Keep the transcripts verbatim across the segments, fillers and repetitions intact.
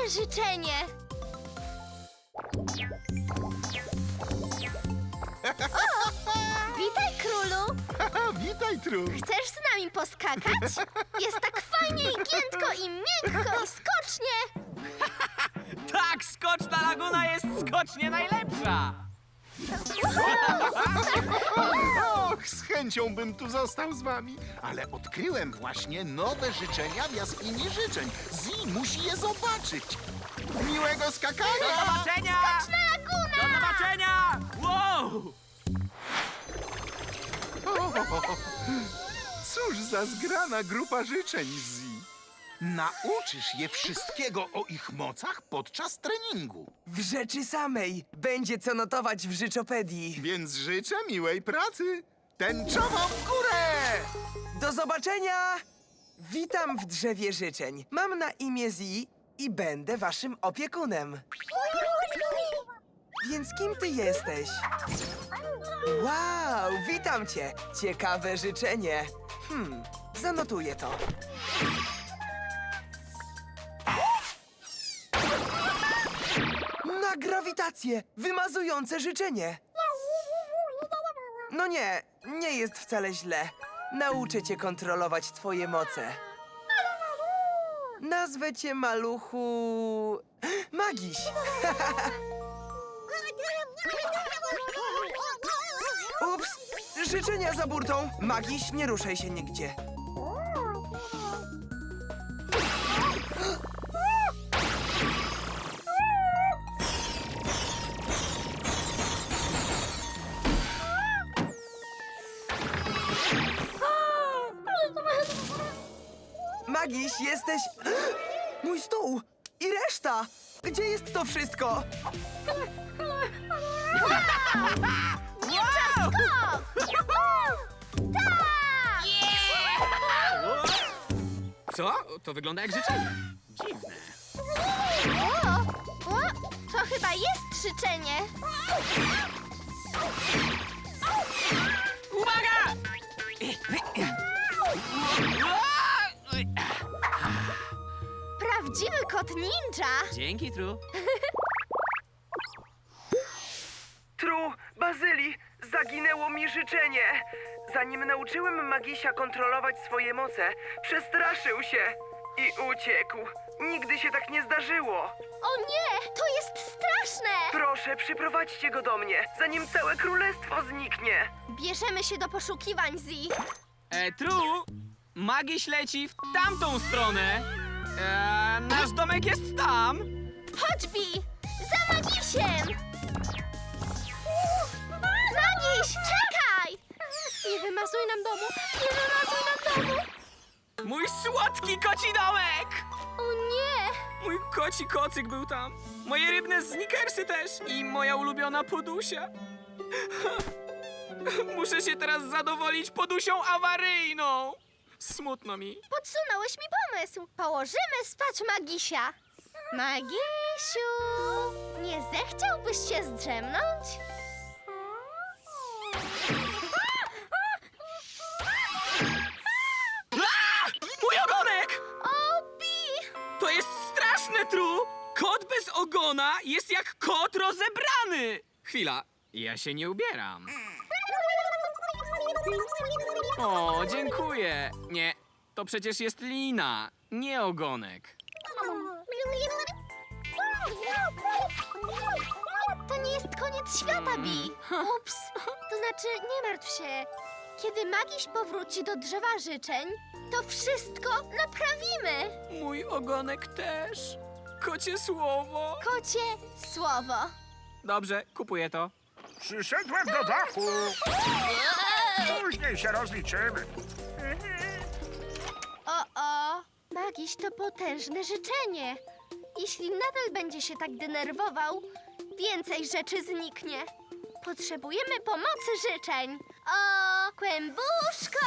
moje życzenie. O, witaj, królu. Witaj, Tru. Chcesz z nami poskakać? Jest tak fajnie i giętko i miękko i skocznie. Tak, skoczna laguna jest skocznie najlepsza! Och, z chęcią bym tu został z wami, ale odkryłem właśnie nowe życzenia w jaskini życzeń. Zi musi je zobaczyć. Miłego Do skakania! zobaczenia! Skoczna laguna! Do zobaczenia! Wow! O, cóż za zgrana grupa życzeń, Zi. Nauczysz je wszystkiego o ich mocach podczas treningu. W rzeczy samej będzie co notować w życzopedii. Więc życzę miłej pracy. Tęczową w górę! Do zobaczenia! Witam w drzewie życzeń. Mam na imię Zi i będę waszym opiekunem. Więc kim ty jesteś? Wow, witam cię! Ciekawe życzenie. Hmm, zanotuję to. Na grawitację! Wymazujące życzenie! No nie, nie jest wcale źle. Nauczę cię kontrolować twoje moce. Nazwę cię, maluchu... Magiś! Ups! Życzenia za burtą! Magiś, nie ruszaj się nigdzie. Magiś, jesteś... Mój stół! I reszta! Gdzie jest to wszystko? Ninja skok! Tak! Co? To wygląda jak życzenie. Dziwne. O, o, to chyba jest życzenie. Uwaga! Prawdziwy kot ninja. Dzięki, Tru. Tru, Bazyli, zaginęło mi życzenie. Zanim nauczyłem Magisia kontrolować swoje moce, przestraszył się i uciekł. Nigdy się tak nie zdarzyło. O nie, to jest straszne. Proszę, przyprowadźcie go do mnie, zanim całe królestwo zniknie. Bierzemy się do poszukiwań, Zi. E, Tru, Magiś leci w tamtą stronę. E, nasz domek jest tam. Chodź, Bi, za Magisiem. Magiś, czekaj. Nie wymazuj nam domu, nie wymazuj nam domu. Mój słodki koci domek! O nie. Mój koci kocyk był tam. Moje rybne snickersy też. I moja ulubiona podusia. Muszę się teraz zadowolić podusią awaryjną. Smutno mi. Podsunąłeś mi pomysł. Położymy spać Magisia. Magisiu, nie zechciałbyś się zdrzemnąć? A! Mój ogonek! O, Bi! To jest straszne, Tru! Kot bez ogona jest jak kot rozebrany! Chwila, ja się nie ubieram. O, dziękuję. Nie, to przecież jest lina, nie ogonek. To nie jest koniec świata, Bi. Ups. To znaczy, nie martw się. Kiedy Magiś powróci do drzewa życzeń, to wszystko naprawimy. Mój ogonek też. Kocie słowo. Kocie słowo. Dobrze, kupuję to. Przyszedłem do dachu. Później się rozliczymy. O-o. Magiś to potężne życzenie. Jeśli nadal będzie się tak denerwował, więcej rzeczy zniknie. Potrzebujemy pomocy życzeń. O, kłębuszko!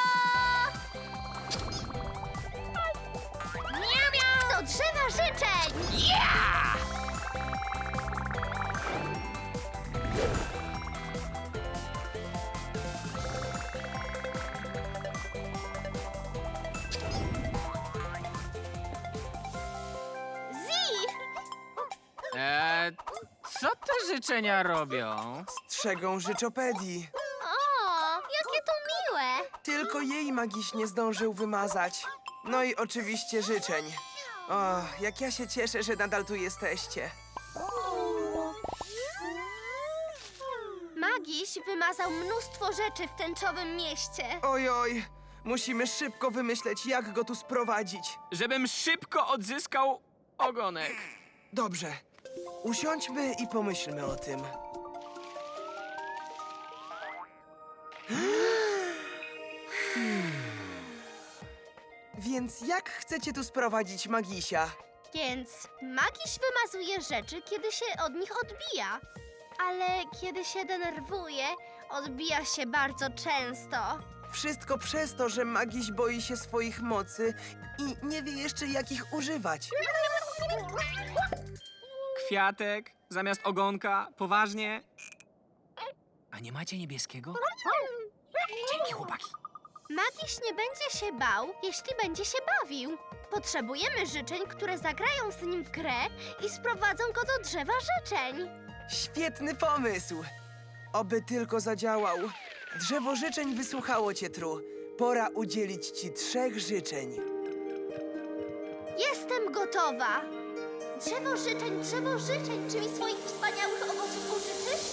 Miau, miau! Do drzewa życzeń! Yeah! Eee, co te życzenia robią? Strzegą życzopedii. O, jakie to miłe! Tylko jej magiś nie zdążył wymazać. No i oczywiście życzeń. O, jak ja się cieszę, że nadal tu jesteście. Magiś wymazał mnóstwo rzeczy w tęczowym mieście. Oj, oj, musimy szybko wymyśleć, jak go tu sprowadzić. Żebym szybko odzyskał ogonek. Dobrze, usiądźmy i pomyślmy o tym. Więc jak chcecie tu sprowadzić Magisia? Więc magiś wymazuje rzeczy, kiedy się od nich odbija. Ale kiedy się denerwuje, odbija się bardzo często. Wszystko przez to, że Magiś boi się swoich mocy i nie wie jeszcze, jak ich używać. Kwiatek zamiast ogonka, poważnie? A nie macie niebieskiego? Dzięki, chłopaki. Magiś nie będzie się bał, jeśli będzie się bawił. Potrzebujemy życzeń, które zagrają z nim w grę i sprowadzą go do drzewa życzeń. Świetny pomysł! Oby tylko zadziałał. Drzewo życzeń wysłuchało cię, Tru. Pora udzielić ci trzech życzeń. Jestem gotowa. Drzewo życzeń, drzewo życzeń, czy mi swoich wspaniałych owoców użyczysz?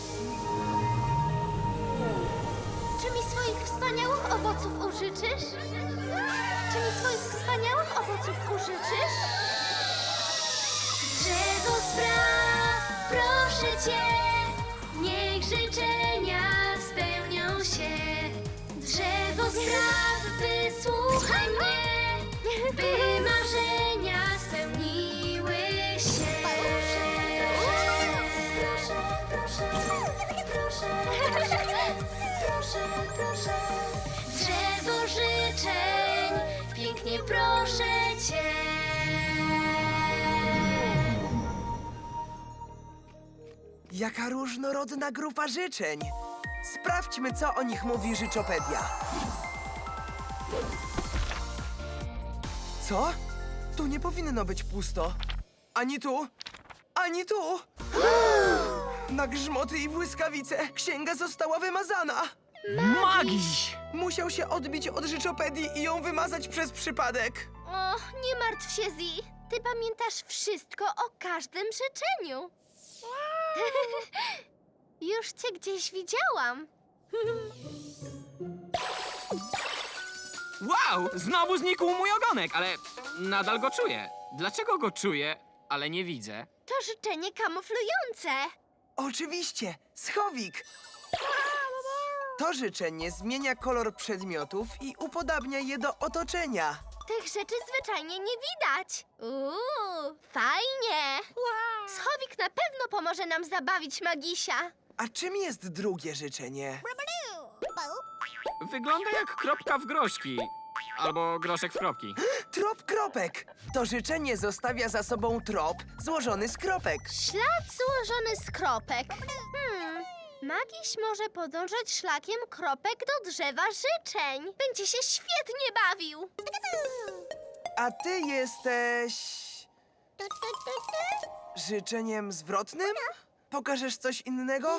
Czy mi swoich wspaniałych owoców użyczysz? Czy mi swoich wspaniałych owoców użyczysz? Drzewo spraw, proszę cię, niech życzenia spełnią się. Drzewo spraw, wysłuchaj mnie, by marzenia spełniły się. Proszę, proszę, proszę, proszę, proszę, proszę. Drzewo życzeń, pięknie proszę cię. Jaka różnorodna grupa życzeń! Sprawdźmy, co o nich mówi Życzopedia. Co? Tu nie powinno być pusto. Ani tu, ani tu! Na grzmoty i błyskawice księga została wymazana! Magiś! Musiał się odbić od Życzopedii i ją wymazać przez przypadek. O, nie martw się, Zi. Ty pamiętasz wszystko o każdym życzeniu. Już cię gdzieś widziałam. Wow! Znowu znikł mój ogonek, ale nadal go czuję. Dlaczego go czuję, ale nie widzę? To życzenie kamuflujące. Oczywiście, schowik! To życzenie zmienia kolor przedmiotów i upodabnia je do otoczenia. Tych rzeczy zwyczajnie nie widać. Uuu, fajnie. Schowik na pewno pomoże nam zabawić Magisia. A czym jest drugie życzenie? Wygląda jak kropka w groszki. Albo groszek w kropki. Trop kropek! To życzenie zostawia za sobą trop złożony z kropek. Ślad złożony z kropek. Hmm, Magiś może podążać szlakiem kropek do drzewa życzeń. Będzie się świetnie bawił. A ty jesteś... życzeniem zwrotnym? Pokażesz coś innego?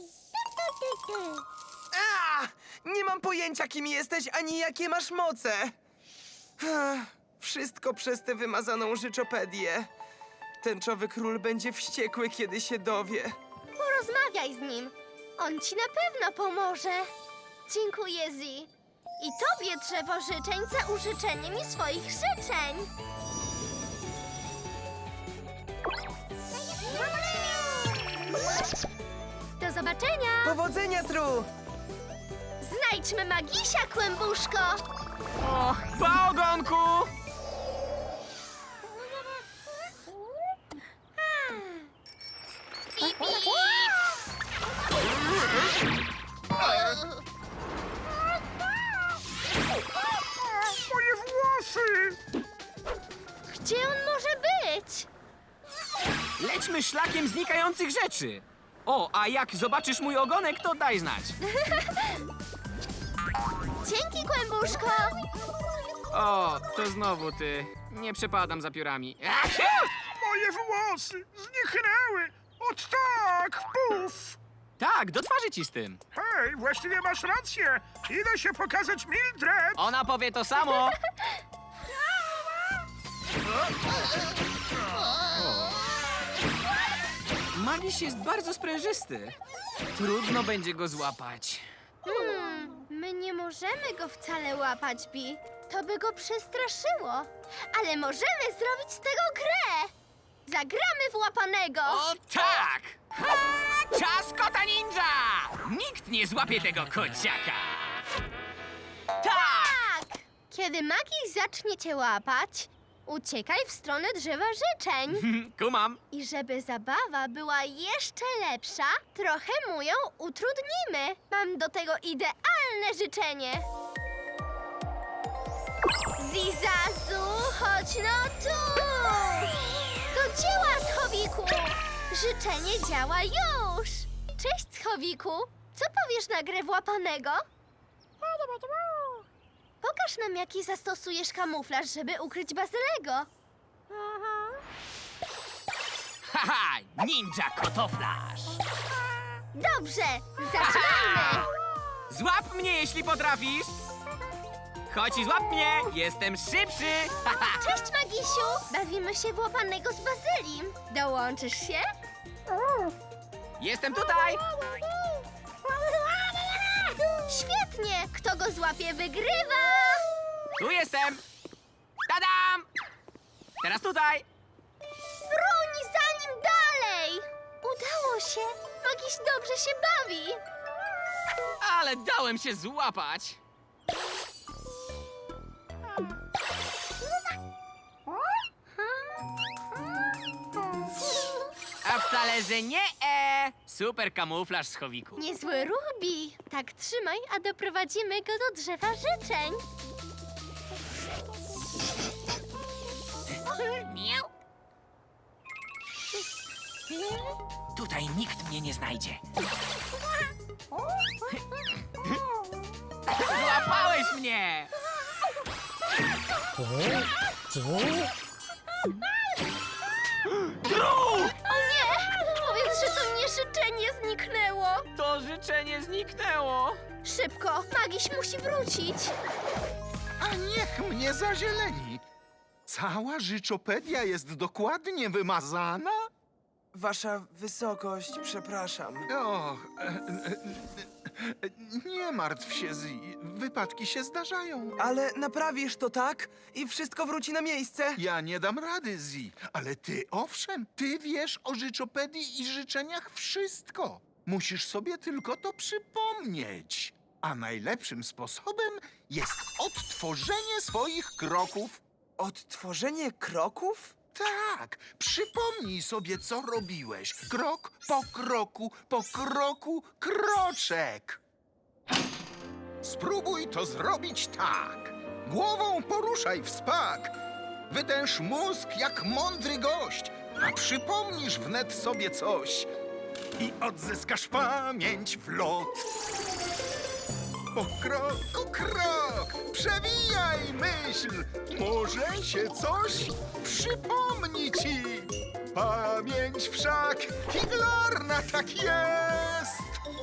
A! Nie mam pojęcia, kim jesteś, ani jakie masz moce. Ech, Wszystko przez tę wymazaną życzopedię. Tęczowy król będzie wściekły, kiedy się dowie. Porozmawiaj z nim. On ci na pewno pomoże. Dziękuję, Zi. I tobie, drzewo życzeń, za użyczenie mi swoich życzeń. Do zobaczenia! Powodzenia, Tru! Znajdźmy Magisia, Kłębuszko! O, pa ogonku! Moje włosy! Gdzie on może być? Lećmy szlakiem znikających rzeczy. O, a jak zobaczysz mój ogonek, to daj znać. Dzięki, Kłębuszko! O, to znowu ty. Nie przepadam za piórami. Achiu! Moje włosy! włosy zniknęły. Ot tak, puf. Tak, do twarzy ci z tym. Hej, właściwie masz rację. Idę się pokazać Mildred. Ona powie to samo. Magiś jest bardzo sprężysty. Trudno będzie go złapać. Hmm, my nie możemy go wcale łapać, Bi. To by go przestraszyło. Ale możemy zrobić z tego grę. Zagramy w łapanego. O tak! Ha! Czas kota ninja! Nikt nie złapie tego kociaka! Tak! Tak! Kiedy magii zacznie cię łapać, uciekaj w stronę drzewa życzeń. Kumam. I żeby zabawa była jeszcze lepsza, trochę mu ją utrudnimy. Mam do tego idealne życzenie. Zizazu, chodź no tu! Do dzieła, Schowiku! Życzenie działa już! Cześć, Schowiku! Co powiesz na grę w łapanego? Pokaż nam, jaki zastosujesz kamuflaż, żeby ukryć Bazylego. Haha! Ninja kotoflaż! Dobrze, zaczynajmy! Złap mnie, jeśli potrafisz! Chodź i złap mnie! Jestem szybszy! Haha! Cześć, Magisiu! Bawimy się w łapanego z Bazylim. Dołączysz się? Jestem tutaj! Świetnie! Kto go złapie, wygrywa! Tu jestem! Tadam! Teraz tutaj! Bruni za nim dalej! Udało się! Magiś dobrze się bawi! Ale dałem się złapać! A wcale, że nie e! Super kamuflaż, Schowiku. Niezły ruch, Bi. Tak trzymaj, a doprowadzimy go do drzewa życzeń. Miau. Tutaj nikt mnie nie znajdzie. Złapałeś mnie! Tru! O nie! Powiedz, że to nie życzenie zniknęło. To życzenie zniknęło. Szybko, Magiś musi wrócić. A niech mnie zazieleni. Cała życzopedia jest dokładnie wymazana? Wasza wysokość, przepraszam. Och, e, e, e, nie martw się, Zi. Wypadki się zdarzają. Ale naprawisz to tak i wszystko wróci na miejsce? Ja nie dam rady, Zi, ale ty owszem, ty wiesz o życzopedii i życzeniach wszystko. Musisz sobie tylko to przypomnieć. A najlepszym sposobem jest odtworzenie swoich kroków. Odtworzenie kroków? Tak, przypomnij sobie, co robiłeś. Krok po kroku, po kroku, kroczek. Spróbuj to zrobić tak. Głową poruszaj w spak. Wydęż mózg jak mądry gość, a przypomnisz wnet sobie coś i odzyskasz pamięć w lot. Po kroku krok, przewijaj myśl, może się coś przypomni ci. Pamięć wszak figlarna tak jest.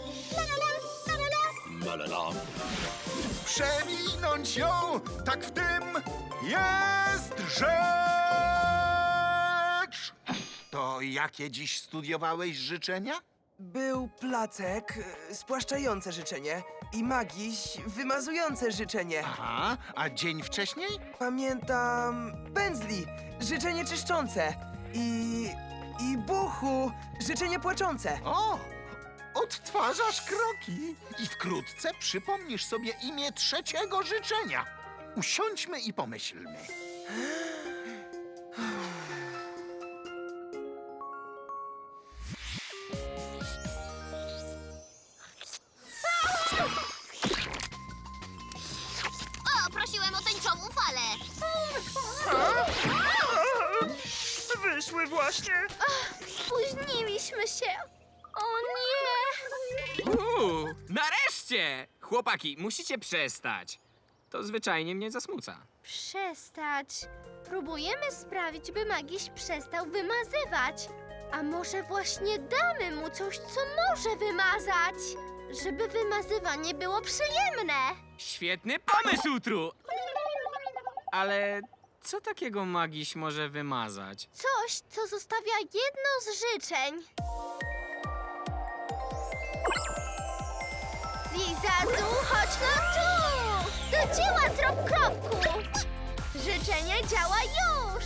Przewinąć ją, tak w tym jest rzecz. To jakie dziś studiowałeś życzenia? Był placek, y, spłaszczające życzenie i magiś, wymazujące życzenie. Aha, a dzień wcześniej? Pamiętam pędzli, życzenie czyszczące i... i buchu, życzenie płaczące. O! Odtwarzasz kroki i wkrótce przypomnisz sobie imię trzeciego życzenia. Usiądźmy i pomyślmy. O, prosiłem o tęczową falę. Wyszły właśnie. Spóźniliśmy się. O nie! Uuu, nareszcie! Chłopaki, musicie przestać. To zwyczajnie mnie zasmuca. Przestać. Próbujemy sprawić, by Magiś przestał wymazywać. A może właśnie damy mu coś, co może wymazać? Żeby wymazywanie było przyjemne. Świetny pomysł, Tru! Ale co takiego Magiś może wymazać? Coś, co zostawia jedno z życzeń. Zizazu, chodź no tu! Do dzieła, trop kropku! Życzenie działa już!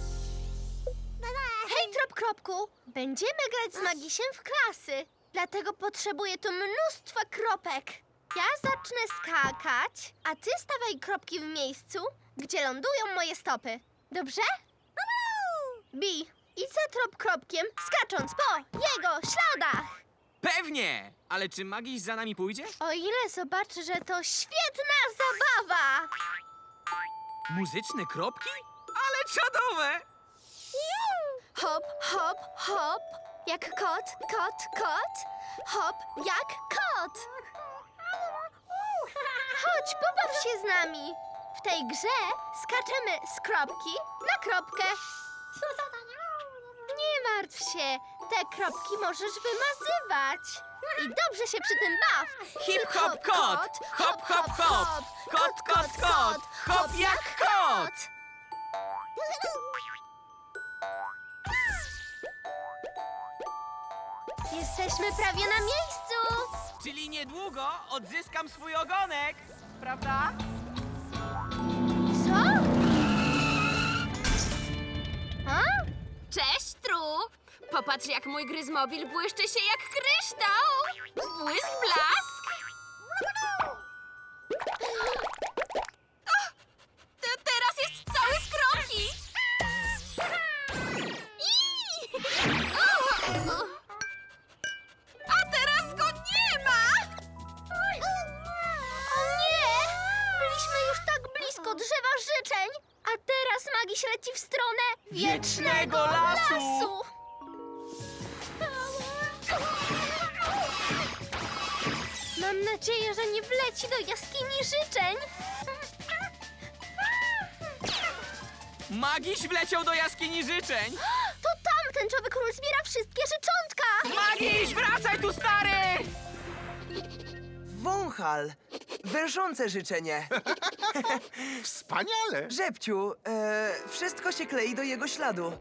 Hej, trop kropku! Będziemy grać z Magisiem w klasy. Dlatego potrzebuję tu mnóstwa kropek. Ja zacznę skakać, a ty stawaj kropki w miejscu, gdzie lądują moje stopy. Dobrze? Bi, idź za trop kropkiem, skacząc po jego śladach. Pewnie! Ale czy Magiś za nami pójdzie? O ile zobaczy, że to świetna zabawa! Muzyczne kropki? Ale czadowe! Hop, hop, hop, jak kot, kot, kot. Hop, jak kot. Chodź, pobaw się z nami. W tej grze skaczemy z kropki na kropkę. Nie martw się, te kropki możesz wymazywać. I dobrze się przy tym baw. Hip hop kot! Hop hop hop! Kot kot kot! Hop jak kot! Jesteśmy prawie na miejscu. Czyli niedługo odzyskam swój ogonek, prawda? Co? A? Cześć, Tru! Popatrz, jak mój gryzmobil błyszczy się jak kryształ! Błysk, blask! O, to teraz jest cały z kroki! Ii! O, o. A teraz go nie ma! O nie! Byliśmy już tak blisko drzewa życzeń, a teraz Magiś leci w stronę Wiecznego lasu. lasu. Mam nadzieję, że nie wleci do jaskini życzeń. Magiś wleciał do jaskini życzeń! To tam tęczowy król zbiera wszystkie życzątka. Magiś, wracaj tu, stary! Wąchal. Wężące życzenie. Wspaniale! Żebciu, e, wszystko się klei do jego śladu.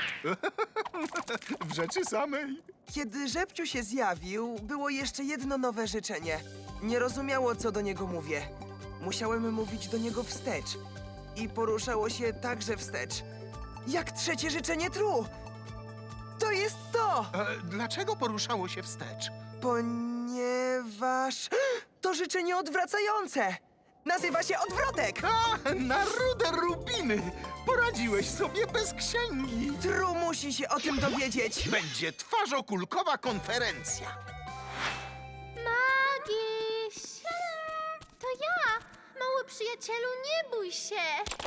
W rzeczy samej. Kiedy Żebciu się zjawił, było jeszcze jedno nowe życzenie. Nie rozumiało, co do niego mówię. Musiałem mówić do niego wstecz. I poruszało się także wstecz. Jak trzecie życzenie Tru! To jest to! E, dlaczego poruszało się wstecz? Ponieważ to życzenie odwracające. Nazywa się odwrotek. A, na rude rubiny! Poradziłeś sobie bez księgi. Tru musi się o tym dowiedzieć. Będzie twarzokulkowa konferencja. Magiś! To ja! Mały przyjacielu, nie bój się!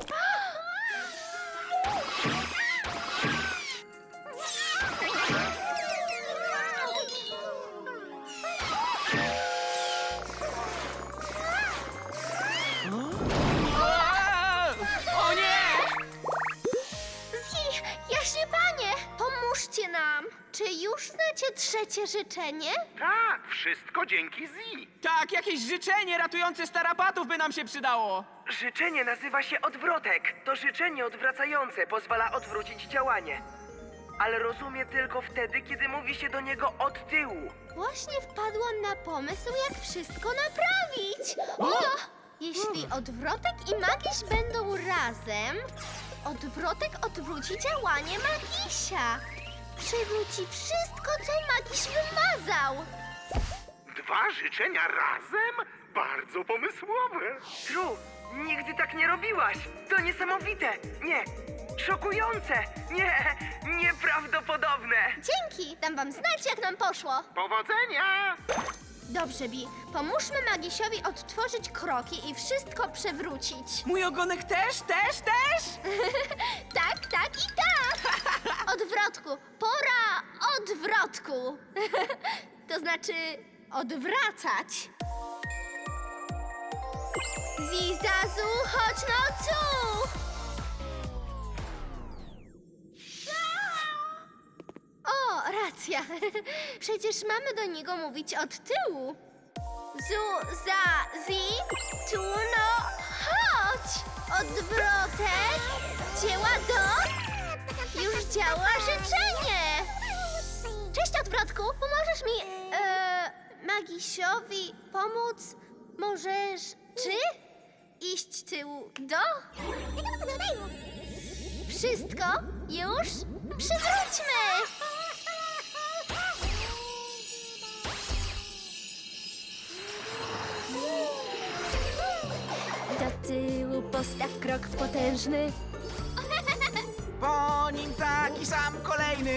A! O nie! Zi, jaśnie panie, pomóżcie nam! Czy już znacie trzecie życzenie? Tak, wszystko dzięki Zi. Tak, jakieś życzenie ratujące starapatów by nam się przydało. Życzenie nazywa się odwrotek. To życzenie odwracające pozwala odwrócić działanie. Ale rozumie tylko wtedy, kiedy mówi się do niego od tyłu. Właśnie wpadłam na pomysł, jak wszystko naprawić! O! Jeśli odwrotek i magiś będą razem, odwrotek odwróci działanie magisia. Przywróci wszystko, co magiś wymazał. Dwa życzenia razem? Bardzo pomysłowe. Tru, nigdy tak nie robiłaś. To niesamowite. Nie, szokujące. Nie, nieprawdopodobne. Dzięki, dam wam znać, jak nam poszło. Powodzenia! Dobrze, Bi, pomóżmy magisiowi odtworzyć kroki i wszystko przewrócić. Mój ogonek też, też, też? Tak, tak i tak! Odwrotku, pora odwrotku. To znaczy odwracać. Zizazu, chodź no tu! O, racja. Przecież mamy do niego mówić od tyłu. Zu, za, zi, tu, no, chodź! Odwrotek, dzieła do... Już działa życzenie! Cześć, Odwrotku! Pomożesz mi, e, Magisiowi pomóc? Możesz, czy? Iść tyłu do? Wszystko? Już? Przywróćmy! Do tyłu postaw krok potężny. Po nim taki sam kolejny.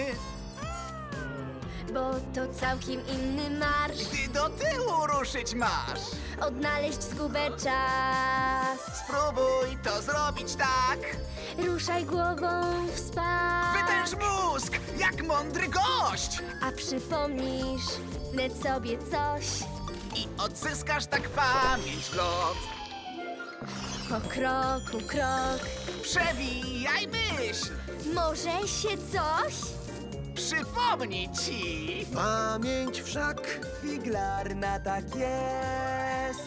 Bo to całkiem inny marsz. Ty do tyłu ruszyć masz. Odnaleźć zgubę czas. Spróbuj to zrobić tak. Ruszaj głową w spa. Wytęż mózg, jak mądry gość. A przypomnisz wnet sobie coś. I odzyskasz tak pamięć w lot. Po kroku krok. Przewijaj myśl. Może się coś? Przypomnij ci. Pamięć wszak figlarna tak jest.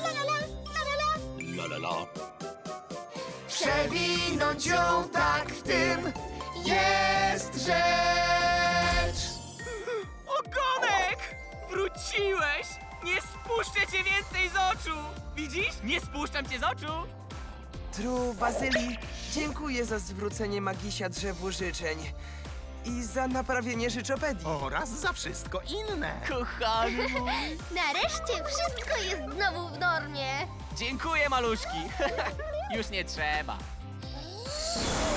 Przewinąć ją tak w tym jest rzecz. Ogonek! Wróciłeś! Nie spuszczę cię więcej z oczu! Widzisz? Nie spuszczam cię z oczu! Tru, Bazyli, dziękuję za zwrócenie Magisia drzewu życzeń i za naprawienie życzopedii. Oraz za wszystko inne. Kochany mój! Nareszcie wszystko jest znowu w normie. Dziękuję, maluszki! Już nie trzeba.